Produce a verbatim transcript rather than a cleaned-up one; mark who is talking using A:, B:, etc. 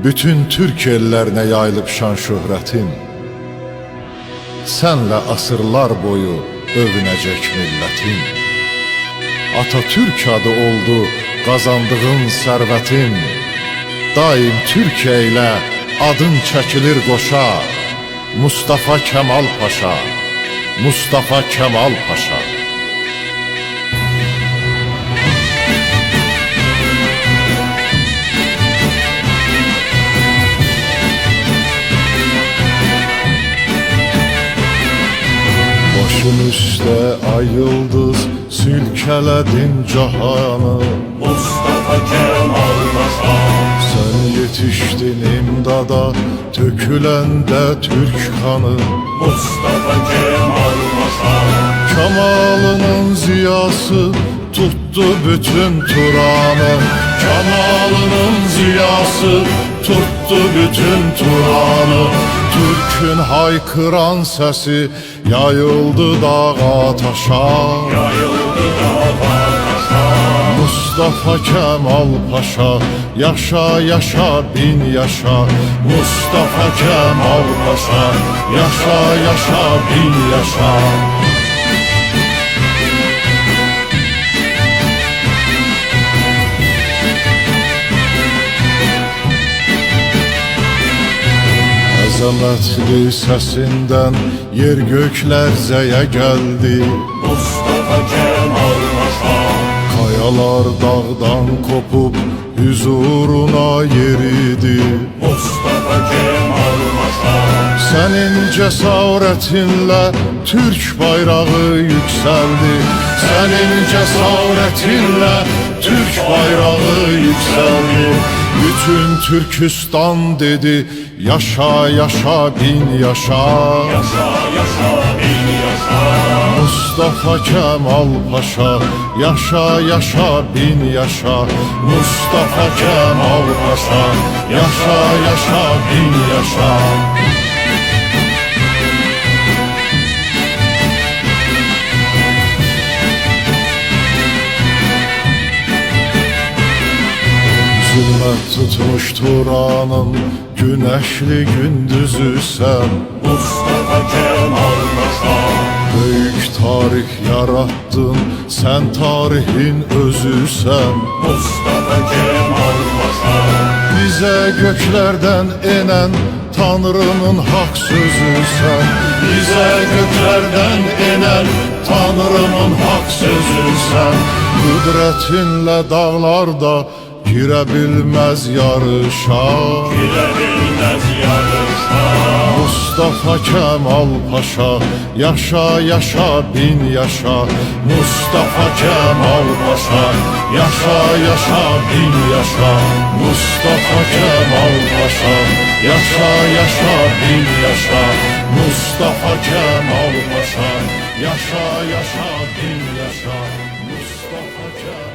A: bütün Türk ellerine yayılıb şan şöhrətin. Senle asırlar boyu övünəcək millətin. Atatürk adı oldu qazandığın sərvətin. Daim Türkiyə ilə adın çəkilir qoşa. Mustafa Kemal Paşa, Mustafa Kemal Paşa. Başın üstə ay yıldız silkələdin cahanı.
B: Mustafa Kemal Paşa.
A: Sen yetiştin imdada töküləndə Türk kanı.
B: Mustafa Kemal Paşa.
A: Kemalının ziyası tuttu bütün Turan'ı. Kemalının ziyası tuttu bütün Turan'ı. Türk'ün haykıran sesi yayıldı dağa taşa.
B: Yayıldı dağa taşa.
A: Mustafa Kemal Paşa, yaşa yaşa bin yaşa. Mustafa Kemal Paşa, yaşa yaşa bin yaşa. Əzəmətli səsindən yer gök lərzəyə gəldi.
B: Mustafa Kemal Paşa.
A: Kayalar dağdan kopub huzuruna yeridi.
B: Mustafa Kemal Paşa.
A: Senin cesaretinle Türk bayrağı yükseldi. Senin cesaretinle Türk bayrağı yükseldi. Bütün Türkistan dedi yaşa yaşa bin yaşa.
B: Yaşa yaşa bin yaşa.
A: Mustafa Kemal Paşa, yaşa yaşa bin yaşa. Mustafa Kemal Paşa, yaşa yaşa bin yaşa. Zulmet tutmuş Turan'ın güneşli gündüzü sen.
B: Mustafa Kemal Paşa.
A: Büyük tarih yarattın, sen tarihin özüsen.
B: Mustafa Kemal Paşa.
A: Bize göklerden inen Tanrı'nın hak sözüsen. Bize göklerden inen Tanrı'nın hak sözüsen. Kudretinle dağlarda girebilmez yarışa.
B: Girebilmez yarışa.
A: Mustafa Kemal Paşa, yaşa yaşa bin yaşa. Mustafa Kemal Paşa, yaşa yaşa bin yaşa. Mustafa Kemal Paşa, yaşa yaşa bin yaşa. Mustafa Kemal Paşa, yaşa yaşa bin yaşa. Mustafa Kemal